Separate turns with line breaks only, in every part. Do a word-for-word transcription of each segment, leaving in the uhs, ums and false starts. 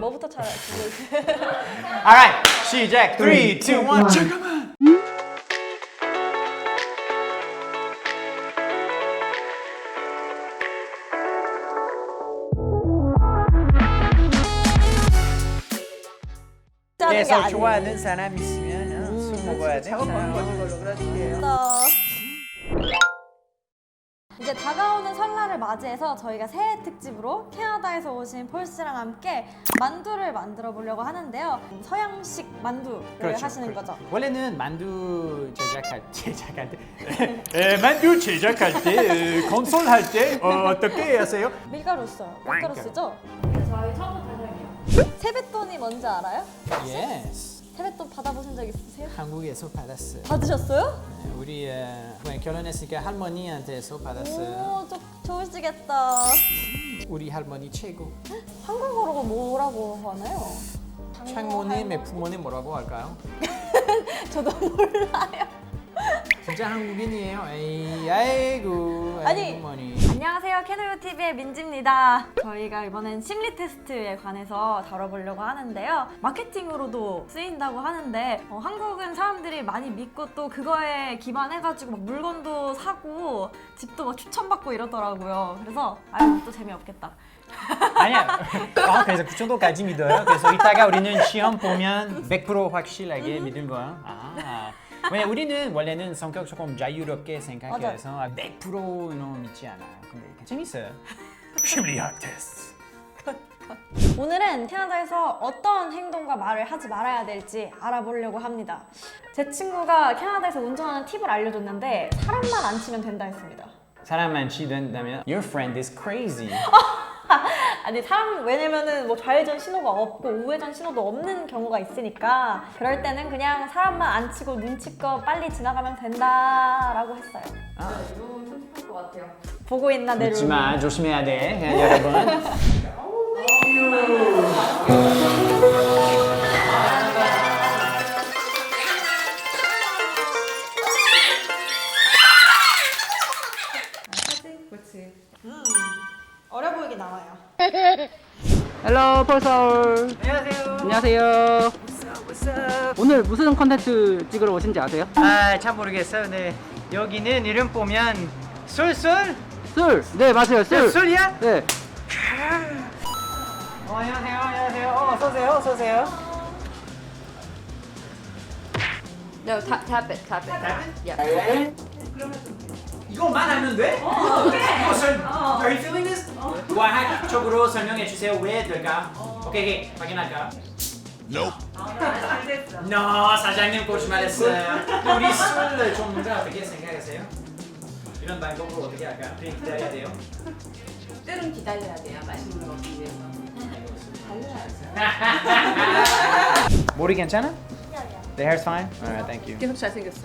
뭐부터 잘 알고
Alright, 시작. three, two, one. 잠깐만. 그래서 좋아하는 사람 있으면 어, 술 먹어야 돼.
작업하는 걸로 그려줄게요.
이제 다가오는 설날을 맞이해서 저희가 새해 특집으로 캐나다에서 오신 폴 씨랑 함께 만두를 만들어 보려고 하는데요. 서양식 만두를
그렇죠,
하시는
그렇죠.
거죠.
원래는 만두 제작할 제작할 때 에, 만두 제작할 때 에, 건설 할 때 어, 어떻게 하세요?
밀가루 써요. 밀가루
밀가루.
쓰죠?
저희 처음부터 사장이요.
세뱃돈이 뭔지 알아요?
Yes.
세뱃돈 받아보신 적 있으세요?
한국에서 받았어요.
받으셨어요?
네, 우리 에, 결혼했으니까 할머니한테서 받았어요.
오, 좀 좋으시겠다.
우리 할머니 최고.
한국어로 뭐라고 하나요?
창모님, 부모님 뭐라고 할까요?
저도 몰라요.
진짜 한국인이에요. 에이, 아이고,
아니.
할머니.
안녕하세요, 캐노유티비의 민지입니다. 저희가 이번엔 심리 테스트에 관해서 다뤄보려고 하는데요. 마케팅으로도 쓰인다고 하는데 어, 한국은 사람들이 많이 믿고 또 그거에 기반해가지고 막 물건도 사고 집도 막 추천받고 이러더라고요. 그래서 아유 또 재미없겠다.
아니야. 아, 그래서 그 정도까지 믿어요. 그래서 이따가 우리는 시험 보면 백 퍼센트 확실하게 믿는 거야. 아. 왜냐 우리는 원래는 성격 조금 자유롭게 생각해서 백 퍼센트 믿지 않아요. 근데 재밌어요. 심리학 테스트.
오늘은 캐나다에서 어떤 행동과 말을 하지 말아야 될지 알아보려고 합니다. 제 친구가 캐나다에서 운전하는 팁을 알려줬는데 사람만 안 치면 된다 했습니다.
사람만 치된다면 Your friend is crazy.
아니 사람 왜냐면은 뭐 좌회전 신호가 없고 우회전 신호도 없는 경우가 있으니까 그럴 때는 그냥 사람만 안 치고 눈치껏 빨리 지나가면 된다라고 했어요.
이건 편집할 것 같아요.
보고 있나 내 룰.
믿지마 조심해야 돼 여러분.
그렇지.
어려 보이게 나와요.
헬로 폴서울.
안녕하세요.
안녕하세요. 오늘 무슨 컨텐츠 찍으러 오신지 아세요?
아잘 모르겠어요. 네 여기는 이름 보면 술술
술. 네 맞아요 술.
술이야?
네.
어, 안녕하세요. 안녕하세요. 어, 어서 오세요. 어서 오세요.
No, tap, tap it, tap it.
Tap it?
Yeah.
이거만 하면 돼? 이거 설, Are you feeling this? 과학적으로 설명해 주세요. 왜 될까? 오케이, 오케이. 확인할까?
Nope.
No, 사장님 거짓말했어요. 우리 술 전문가 어떻게 생각하세요? 이런 방법으로 어떻게 할까? 우리 기다려야 돼요.
때론 기다려야 돼요. 맛있는 거 먹기 위해서.
머리 괜찮아? The hair's fine? Alright, thank you.
계속 잘생겼어.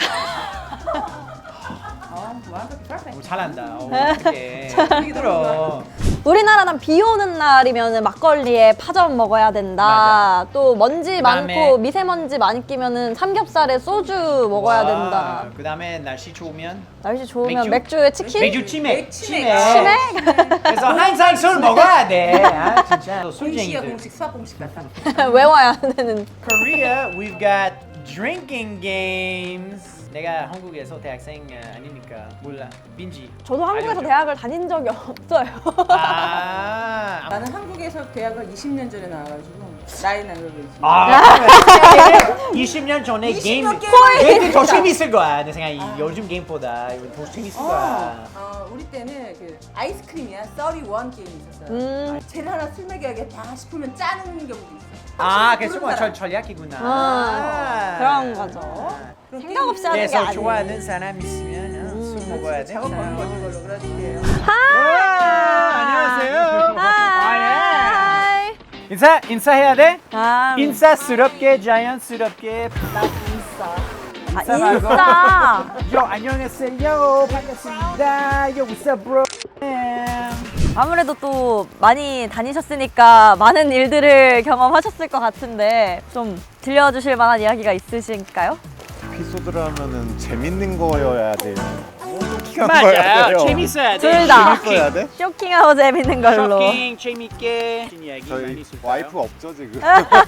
어, 완벽히 perfect.
오, 잘한다. 오, 어떡해. 힘들어.
우리나라는 비 오는 날이면 막걸리에 파전 먹어야 된다.
맞아.
또 먼지
그다음에-
많고 미세먼지 많이 끼면은 삼겹살에 소주 먹어야 된다.
그 다음에 날씨 좋으면
날씨 좋으면
맥주?
맥주? 에 치킨?
맥주 치맥.
치맥.
치맥?
그래서 항상 술 먹어야 돼. 아, 진짜.
공식이야
술쟁이들.
공식 수학 공식 같아.
외워야 되는.
Korea, we've got drinking games. 내가 한국에서 대학생 어, 아니니까 몰라. 민지.
저도 한국에서
알려줘.
대학을 다닌 적이 없어요.
아.
나는 한국에서 대학을 이십 년 전에 나와가지고 나이 나이로 그러지.
아. 이십 년 전에 게임
년 게임
게임이 더 재밌을 거야. 내 생각에 요즘 게임보다 이거 더 재밌을 거야.
어, 우리 때는 그 아이스크림이야 삼십일 게임이 있었어요.
음.
쟤를 하나 술 먹여야겠다 싶으면 짜는 경우도 있어.
아, 그래서 정말 절 전략이구나.
아, 그런 거죠. 생각 없이 하는 게
그래서
아니에요.
좋아하는 사람 있으면 어, 술 먹어야 돼.
작업하는 걸로 그려줄게요.
아, 안녕하세요.
하이.
인사 인사해야 돼?
아,
인사스럽게 자연스럽게.
아,
인사하고.
인싸.
요 안녕하세요. 반갑습니다. 요 what's up bro?
아무래도 또 많이 다니셨으니까 많은 일들을 경험하셨을 것 같은데 좀 들려주실 만한 이야기가 있으실까요?
에피소드라면은 재밌는 거여야 돼요. 쇼킹한 거 해야
맞아요.
돼요.
재밌어야 돼.
둘 다.
재밌어야 돼?
쇼킹하고 재밌는 걸로.
쇼킹 재밌게 이야기 많이
저희
있을까요?
와이프 없죠 지금.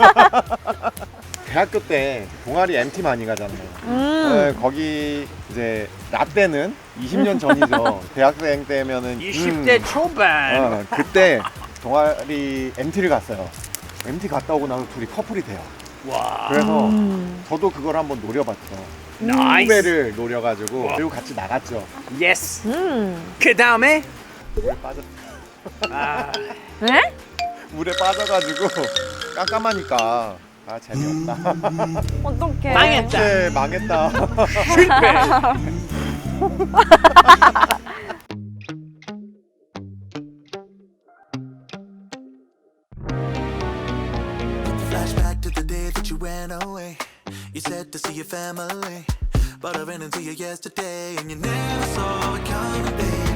대학교 때 동아리 엠티 많이 가잖아요.
음.
네, 거기 이제 나 때는 이십 년 전이죠. 대학생 때면은
이십 대
음,
초반.
어, 그때 동아리 엠티를 갔어요. 엠티 갔다 오고 나서 둘이 커플이 돼요.
와.
그래서
음.
저도 그걸 한번 노려봤죠.
나이스.
후배를 노려가지고 그리고 같이 나갔죠.
예스.
음.
그 다음에
물에 빠졌.
아,
네?
물에 빠져가지고 깜깜하니까 아 재미없다.
어떡해.
망했다.
네, 망했다.
실패.
Flashback to the day that you ran away. You said to see your family, but I ran into you yesterday, and you never saw it coming, babe.